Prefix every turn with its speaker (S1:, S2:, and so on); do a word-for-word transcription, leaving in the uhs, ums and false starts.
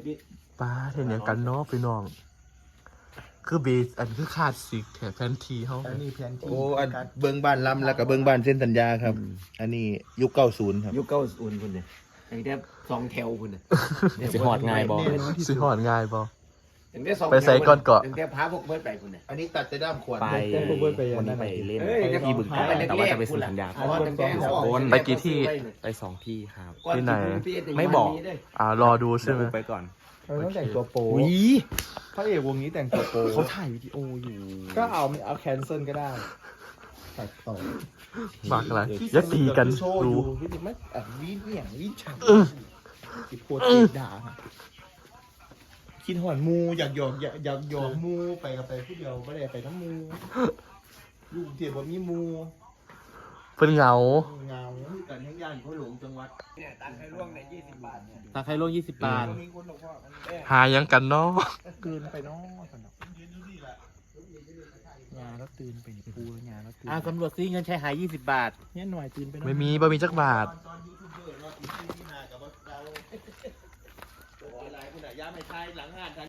S1: ป้าเห็นอย่างกันเนาะพี่น้องคือเบสอันคือขาดสิกแถบแฟนทีเขา
S2: อันนี้แผนที่
S3: โอ้อันเบิ้งบ้านลำแล้วก็เบิ้งบ้านเส้นสัญญาครับ อันนี้ยุคเก้าศูนย์ครับ
S4: ยุคเก้าอุ่นคุณเนี่ยไอ้แทบสองแถวคุณเนี่ย
S5: สิหอดง่ายบ่
S1: สิหอดง่ายบ่
S4: ถึงได้สอง
S1: ไปใส่ก่อนเกาะ
S4: ถึงได้พาพวกเบิร์ดไปคุณเนี่ย
S3: อันนี้ตัดแต่ด้ามขวด
S5: ไปวันนี้ไปเล่นที่บึงกาฬแต่ว่าจะไปเซ็นสัญญา
S4: เพราะว่าตั้งแต่เขาออก
S1: ไปกี่ที่
S5: ไปสองที่ครับ
S1: ที่ไหน
S5: ไม่บอก
S1: อ่ารอดูใช่ไหม
S5: ไปก่อน
S2: เราต้องแต่งตัวโป๊
S5: อุ้ย
S2: พระเอกวงนี้แต่งตัวโป๊
S5: เขาถ่ายวิดีโออยู่
S2: ก็เอาเอาแคนเซิลก็ได้ตัดต่อ
S1: ฝากอะไรอย่าตีกัน
S2: โชว์อ
S1: ดู
S2: ยู่วิธีไม่อ่ะวิเหวี่ยงวิฉันติดโพดติดด่าคิดหอนมูอยากหยอกอยากอยากหยอกมูไปกับไปผู้เดียวไม่ได้ไปน้ำมูอยู่เทียบว่ามีมู
S1: เพิ่นเหงา
S2: เงา
S3: กันทั้งย่านเขาหลงจังหวัด
S4: เนี่ยตังค์ให้ล่วงในยี่สิบบาทเนี่ย
S5: ตาไคโลยี่สิบบาท
S2: มีคนบอกว่ามันแอบ
S1: หายังกันเนาะ
S2: เกินไปเนาะสนองาแล้วตื่นไปนี่พูแล้วงาแล้วตื่น
S5: อ่าตำรวจซีเงินใช้หายยี่สิบบาท
S2: เนี่ยหน่อยตื่นไปเนาะ
S1: ไม่มีบ่มีจักบาท
S3: ตอนยูทูบเบอร์เนาะอีกที่นากับเราหลายคนอะย่าไม่ใช่หลังงาน